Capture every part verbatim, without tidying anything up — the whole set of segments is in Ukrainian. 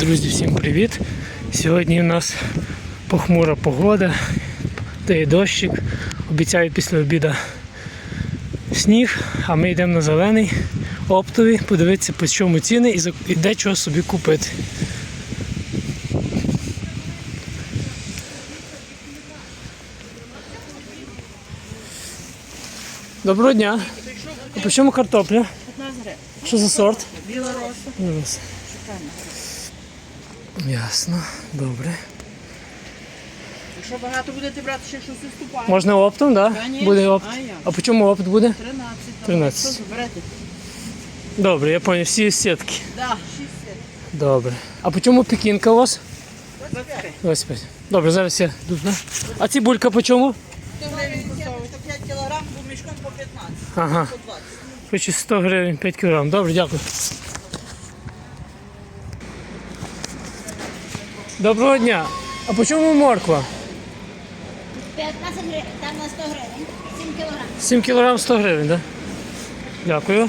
Друзі, всім привіт! Сьогодні у нас похмура погода, дає дощик, обіцяють після обіду сніг, а ми йдемо на зелений, оптовий, подивитися по чому ціни і де чого собі купити. Доброго дня! А по чому картопля? п'ятнадцять гривень. Що за сорт? Білороса. Ясно, добре. Якщо багато будете брати, ще щось уступає. Можна оптом, так? Да? Конечно. Буде опт. А як? А по чому опт буде? тринадцять. тринадцять. Що заберете? Добре, я зрозумів, всі сітки. Да, шість. Добре. А по чому пекінка у вас? двадцять п'ять. двадцять п'ять. Добре, зараз я йду. Да? А цибулька по чому? сто гривень кусовий, сто п'ять кілограм, бо мішком по п'ятнадцять. Ага. сто двадцять. Хочу сто гривень, п'ять кілограм. Добре, дякую. Доброго дня. А по чому морква? п'ятнадцять гривень, там на сто гривень, сім кілограм. сім кілограм сто гривень, так? Да? Дякую.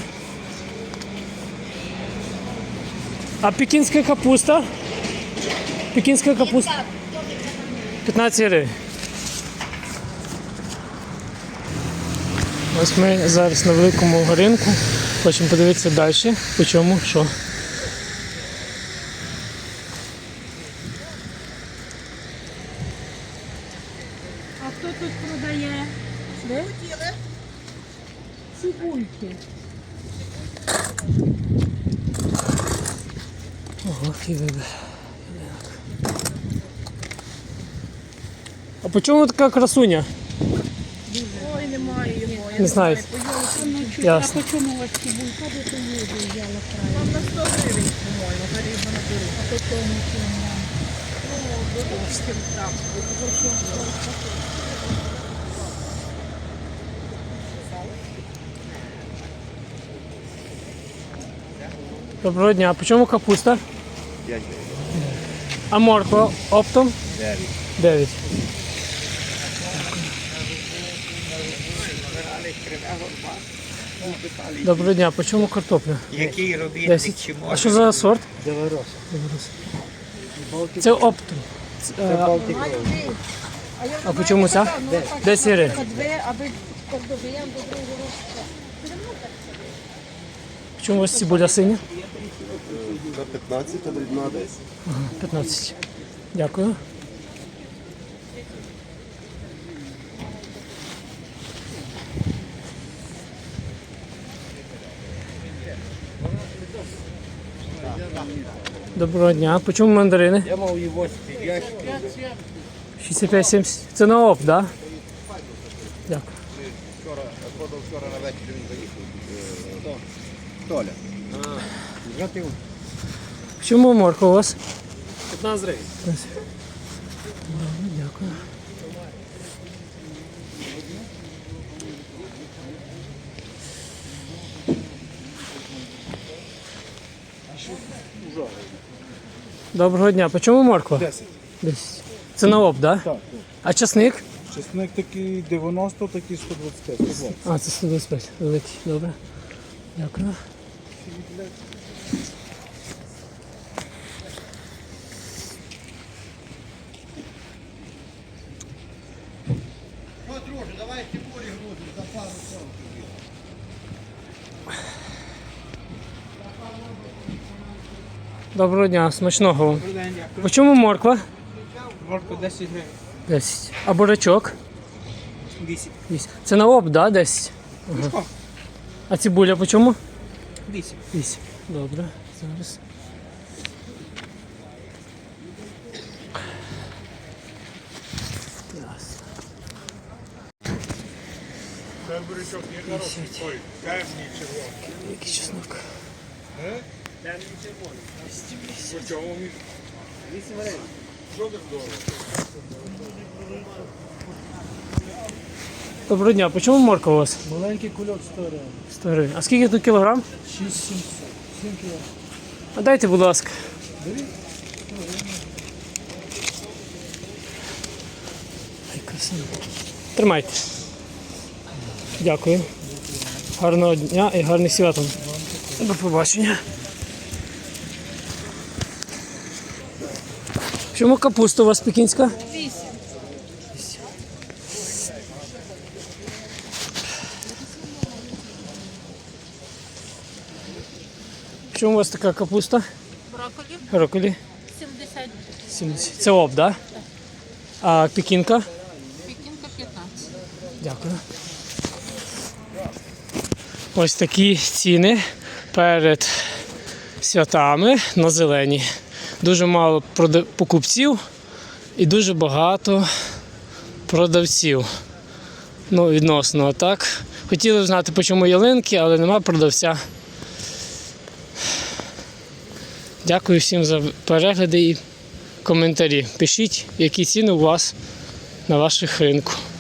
А пекінська капуста? Пекінська капуста? п'ятнадцять гривень. Ось ми зараз на великому ринку. Хочемо подивитися далі, по чому, що. А хто тут продає? Ви? Цибульки. Ого, який вибір. А по чому така красуня? Ой, немає його. Не знаю. Ясно. А по чому у вас цибулька, де то їду взяла краю? Там на сто гривень, по-моєму, гарізно наберу. А по тому чому? Доброго дня. А по чому капуста? п'ять гривень. А морква оптом? дев'ять. дев'ять. Доброго дня. По чому картопля? Який робітник десять. чи А може? що за сорт? Белорос. Це оптом. Це, а, Балтик. а по чому ця? десять гривень. Дві, аби кордовіям до другого. По чому у вас цибуля синя? За п'ятнадцять, а дрібна десять. Ага, п'ятнадцять. Дякую. Доброго дня. По чому мандарини? Я мав його спів'яти. шістдесят п'ять сімдесят. Це на опт, так? Да? Дякую. Вчора, продав вчора на вечір він заїхав. Толя. Згатив. Чому морква у вас? п'ятнадцять гривень. Добре, дякую. Доброго дня. По чому морква? десять. десять. Це на опт, так? Да? Так, А часник? чесник такий дев'яносто, такий сто двадцять п'ять. сто двадцять. А, це сто двадцять п'ять. Великий. Добре. Дякую. Доброго дня, смачного вам. По чому морква? Морку десять гривень. десять. А бурячок? вісім. вісім. Це на опт, да, десять? Ага. А цибуля по чому? вісім. вісім. Добре, зараз. Ясно. Це бурячок не хороший, той темний червоний. Який чеснок? Темний червоний. По чому він? вісім гривень. Що так дорого? Доброго дня, по чому морква у вас? Маленький кульок сто гривень. сто гривень. А скільки тут кілограм? шість сімсот. сім кіло. А дайте, будь ласка. Ай, красиво. Тримайте. Дякую. Гарного дня і гарних свят вам. До побачення. Чому капуста у вас пекінська? Вісім. Чому у вас така капуста? Брокколі Роколі? сімдесят. сімдесят. Це об, да? А пекінка? Пекінка п'ятнадцять. Дякую. Ось такі ціни перед святами на зелені. Дуже мало прода- покупців і дуже багато продавців. Ну, відносно так. Хотіли б знати, по чому ялинки, але нема продавця. Дякую всім за перегляди і коментарі. Пишіть, які ціни у вас на ваших ринку.